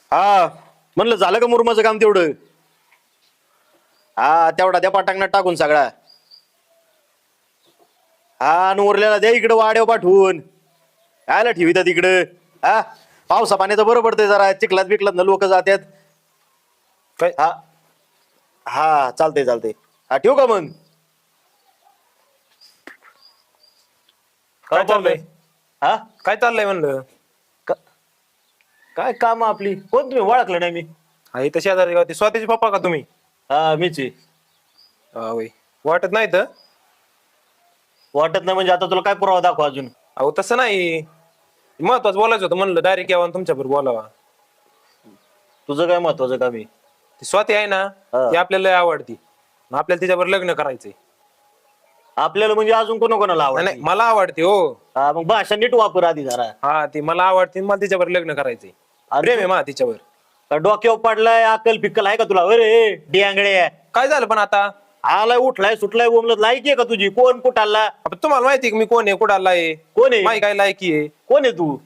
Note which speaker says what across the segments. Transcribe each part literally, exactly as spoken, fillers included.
Speaker 1: हा म्हणलं झालं का मुरमाचं काम तेवढं? हा तेवढा द्या पाटांगणात टाकून सगळा. हा आणि उरलेला द्या इकडं वाड्यावर पाठवून. आयला ठेवितात इकडं. हा पावसा पाण्याचं बरं पडतंय जरा चिखलात बिकलात ना लोक जातात.
Speaker 2: काय
Speaker 1: हा हा चालतंय चालतंय. हा ठेवू का मग?
Speaker 2: काय चाललंय?
Speaker 1: हा
Speaker 2: काय चाललंय म्हणलं?
Speaker 1: क- काय काम आपली? कोण तुम्ही? ओळखलं नाही मी.
Speaker 2: हा इथं शेजारी गावती स्वतःचे पप्पा का तुम्ही?
Speaker 1: हा मीच आहे.
Speaker 2: हा होय. वाटत नाही तर
Speaker 1: वाटत नाही म्हणजे आता तुला काय पुरावा दाखवा अजून?
Speaker 2: अहो तसं नाही, महत्वाचं बोलायचं होतं म्हणलं डायरेक्ट यावं तुमच्या बरोबर बोलावा.
Speaker 1: तुझं काय महत्वाचं काम आहे?
Speaker 2: ती स्वाती आहे ना,
Speaker 1: हा.
Speaker 2: ती आपल्याला लय आवडती. मग आपल्याला तिच्याबरोबर लग्न करायचंय.
Speaker 1: आपल्याला म्हणजे अजून कोणा कोणाला
Speaker 2: नाही
Speaker 1: आवडत?
Speaker 2: नाही, मला आवडते हो.
Speaker 1: हा मग भाषा नीट वापर आधी जरा.
Speaker 2: हा ती मला आवडते, मला तिच्याबरोबर लग्न करायचंय.
Speaker 1: अरे
Speaker 2: प्रेम आहे मा तिच्यावर.
Speaker 1: का डोक्यावर पडलाय? अक्कल फिक्कल आहे का तुला? अरे डियांगडे
Speaker 2: काय झालं पण आता?
Speaker 1: आलाय उठलाय सुटलाय बोमलत लायकी आहे का तुझी? कोण कुठाला?
Speaker 2: आता तुम्हाला माहिती आहे की मी कोण आहे, कुठं आलाय,
Speaker 1: कोण आहे?
Speaker 2: माही काय लायकी आहे.
Speaker 1: कोण आहे तू?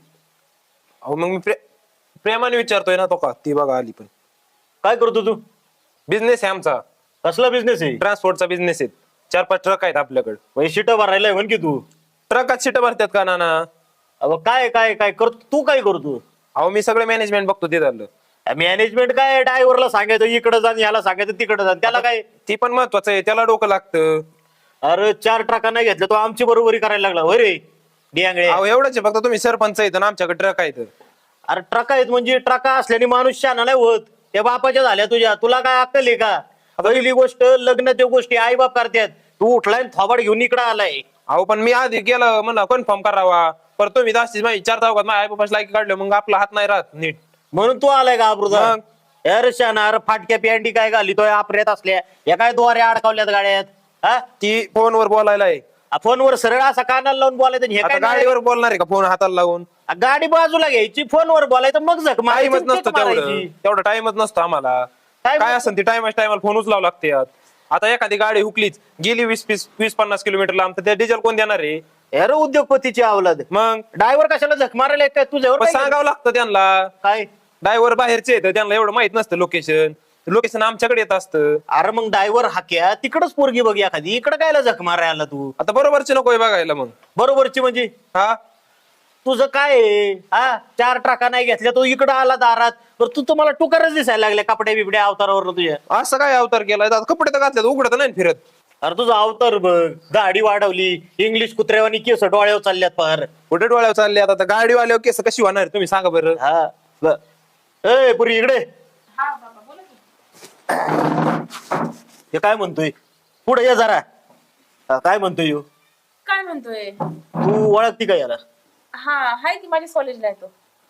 Speaker 2: अहो मग मी प्रे प्रेमाने विचारतोय ना तो का ती बघा आली पण.
Speaker 1: काय करतो तू?
Speaker 2: बिझनेस आहे आमचा,
Speaker 1: कसला बिझनेस आहे?
Speaker 2: ट्रान्सपोर्टचा बिझनेस आहे. चार पाच ट्रक आहेत आपल्याकडे.
Speaker 1: शिट भरायलाय म्हण की तू.
Speaker 2: ट्रकात सीट भरतात का नाना?
Speaker 1: अगं काय काय काय करतो तू? काय करतो?
Speaker 2: अहो मी सगळे मॅनेजमेंट बघतो ते झालं.
Speaker 1: मॅनेजमेंट काय? ड्रायव्हरला सांगायचं इकडे जा, याला सांगायचं तिकडे जा, त्याला काय?
Speaker 2: ती पण महत्वाचं आहे, त्याला डोकं लागतं.
Speaker 1: अरे चार ट्रका नाही घेतलं तो आमची बरोबरी करायला लागला होय रे डियांगडे.
Speaker 2: अहो एवढंच आहे फक्त, तुम्ही सरपंच आहेत आणि आमच्याकडे ट्रक आहेत.
Speaker 1: अरे ट्रका आहेत म्हणजे ट्रका असल्याने माणूस शहाणा नाही होत. त्या बापाच्या झाल्या तुझ्या, तुला काय अक्कल आहे का? पहिली गोष्ट लग्न त्या गोष्टी आई बाप करतात. तू उठलाय थोबाड घेऊन इकडे आलाय.
Speaker 2: अहो पण मी आधी गेलं म्हणा कन्फर्म करावा, पर तुम्ही जास्तीच माहिती चार चौकात माझ्या आई बापाची लायकी काढलं, मग आपला हात नाही राहत नीट.
Speaker 1: म्हणून तू आलाय का अब्रुदा?
Speaker 2: मग?
Speaker 1: अरे शहाणा, अरे फाटक्या पॅन्टी काय घालितोय आपऱ्यात असल्या, या काय द्वारे अडकावल्यात गाड्यात? हा
Speaker 2: ती फोनवर बोलायला आहे.
Speaker 1: फोनवर सरळ असा कानाला लावून बोलायचं आणि हे
Speaker 2: आता
Speaker 1: काय नाही?
Speaker 2: गाडीवर बोलणार आहे का फोन हाताला लावून?
Speaker 1: गाडी बाजूला घ्यायची, फोनवर बोलायचं, मग झक मारायची,
Speaker 2: टाइमच नसतो
Speaker 1: किक
Speaker 2: तेवढं,
Speaker 1: मारायची.
Speaker 2: तेवढा टाइमच नसतो आम्हाला.
Speaker 1: Time
Speaker 2: काय
Speaker 1: नसतो?
Speaker 2: असेल ती टाइमच टायमाला फोन उचलावं लागते. आता एखादी गाडी हुकलीच गेली वीस वीस वीस पन्नास किलोमीटर लांब, तर त्या डिझेल कोण देणार आहे?
Speaker 1: अरे उद्योगपतीची अवलाद.
Speaker 2: मग
Speaker 1: ड्रायव्हर कशाला झक मारायला काय तुझ्यावर?
Speaker 2: पण
Speaker 1: काय
Speaker 2: सांगावं लागतं त्यांना.
Speaker 1: काय?
Speaker 2: ड्रायव्हर बाहेरचे आहेत, त्यांना एवढं माहित नसतं लोकेशन. लोकेशन आमच्याकडे येत असतं.
Speaker 1: अरे मग ड्रायव्हर हाक्या तिकडच पोरगी बघ एखादी, इकडं कायला झक मारायला आला तू?
Speaker 2: आता बरोबरची नकोय बघायला मग.
Speaker 1: बरोबरची म्हणजे
Speaker 2: हा
Speaker 1: तुझं काय आहे? हा चार ट्रका नाही घेतल्या तो इकडं आला दारात, तर तू तुम्हाला टुकारच दिसायला लागल्या कपड्या बिबड्या अवतारावर तुझ्या.
Speaker 2: असं काय अवतार केलाय? आता कपडे तर घातले उघडत नाही फिरत.
Speaker 1: अरे तुझा अवतार बघ, दाढी वाढवली, इंग्लिश कुत्र्यावानी केस डोळ्यावर चालल्यात पार.
Speaker 2: कुठे डोळ्यावर चालले आता गाडीवाल्यावर केस कशी होणार तुम्ही सांगा बरं.
Speaker 1: हा ब- ए पुरी इकडे. हे काय म्हणतोय? पुढे ये जरा. हा, काय म्हणतोय ह्यो?
Speaker 3: काय म्हणतोय?
Speaker 1: तू ओळखती का याला?
Speaker 3: हा हाय की माझ्या कॉलेजला येतो.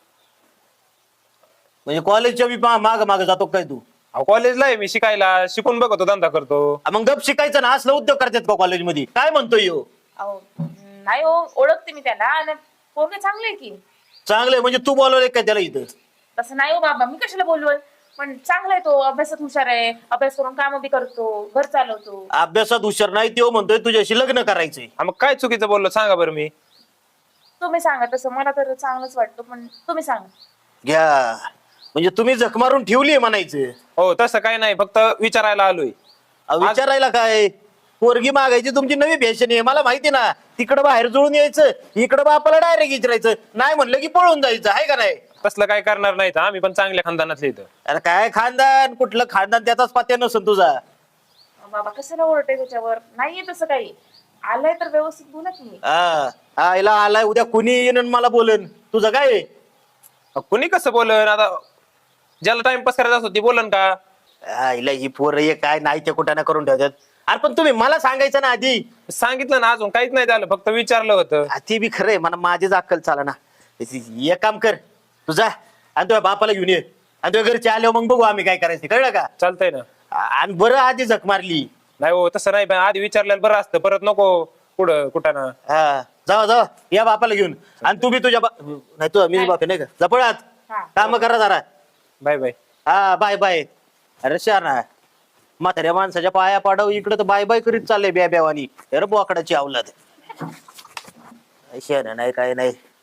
Speaker 1: म्हणजे कॉलेजच्या बी माग माग जातो काय तू?
Speaker 2: अहो कॉलेजला आहे मी शिकायला, शिकून बघतो धंदा करतो.
Speaker 1: आ, मग गप शिकायचं ना, असलं उद्योग करतात का कॉलेजमध्ये? काय म्हणतोय ह्यो?
Speaker 3: अहो नाही हो, ओळखते मी त्याला आणि पोरगे चांगले आहे की.
Speaker 1: चांगलंय म्हणजे तू बोलवलंय काय त्याला इथं?
Speaker 3: तसं नाही हो बाबा, मी कशाला बोलवल, पण चांगला आहे तो, अभ्यासात हुशार आहे, अभ्यास करून काम बी करतो, घर चालवतो.
Speaker 1: अभ्यासात हुशार नाही तो म्हणतोय तुझ्याशी लग्न करायचंय.
Speaker 2: हा, मग काय चुकीचं बोललो सांगा बरं मी.
Speaker 3: तुम्ही सांगा, तसं मला तर चांगलंच वाटतं, पण तुम्ही सांगा.
Speaker 1: घ्या म्हणजे तुम्ही जख मारून ठेवलीये म्हणायचं.
Speaker 2: हो तसं काय नाही, फक्त विचारायला आलोय.
Speaker 1: अहो, विचारायला काय? पोरगी मागायची तुमची नवी फॅशन आहे, मला माहिती ना. तिकडं बाहेर जुळून यायचं, इकडं बापाला डायरेक्ट विचारायचं, नाही म्हणलं की पळून जायचं, आहे का नाही?
Speaker 2: तसलं काय करणार नाही, आम्ही पण चांगल्या खानदानातले इथं.
Speaker 1: अरे काय खानदान? कुठलं खानदान? त्याचाच पत्या नसेल तुझा.
Speaker 3: अहो, बाबा कशाला ओरडते त्याच्यावर? नाहीये तसं काही. आलंय तर व्यवस्थित बोला की.
Speaker 1: हा आईला आलाय, उद्या कुणी येईन आणि मला बोलन. तुझं काय आहे?
Speaker 2: कुणी कसं बोलन? आता ज्याला टाइमपास करायचा असतो ती बोलन का?
Speaker 1: आईला ही पोरं हे काय नाही ते कुठं ना करून ठेवतात. अरे पण तुम्ही मला सांगायचं ना आधी.
Speaker 2: सांगितलं ना, अजून काहीच नाही झालं, फक्त विचारलं होतं.
Speaker 1: आ, ती बी खरंय, मला माझीच अक्कल चाला ना. एक काम कर, तुझा आणि तुझ्या बापाला घेऊन ये, आणि तुझ्या घरचे आल्यावर मग बघू आम्ही काय करायचं, कळलं का?
Speaker 2: चालतंय ना.
Speaker 1: आ- आणि बरं आधी झक मारली.
Speaker 2: नाही हो तसं नाही, पण आधी विचारलेलं बरं असतं, परत नको पुढं कुठं ना.
Speaker 1: हा जावा जावा, या बापाला घेऊन. आणि तू बी तुझ्या बा नाही तुझा मीच बाप आहे नाही का? जपळात
Speaker 3: हा.
Speaker 1: काम करा जरा.
Speaker 2: Bye bye.
Speaker 1: हा बाय बाय. अरे शाना, म्हाताऱ्या माणसाच्या पाया पाडव, इकडे तर बाय बाय करीत चाललंय ब्या ब्यावानी. अरे बोकडाची अवलाद. शाना नाही काय नाही.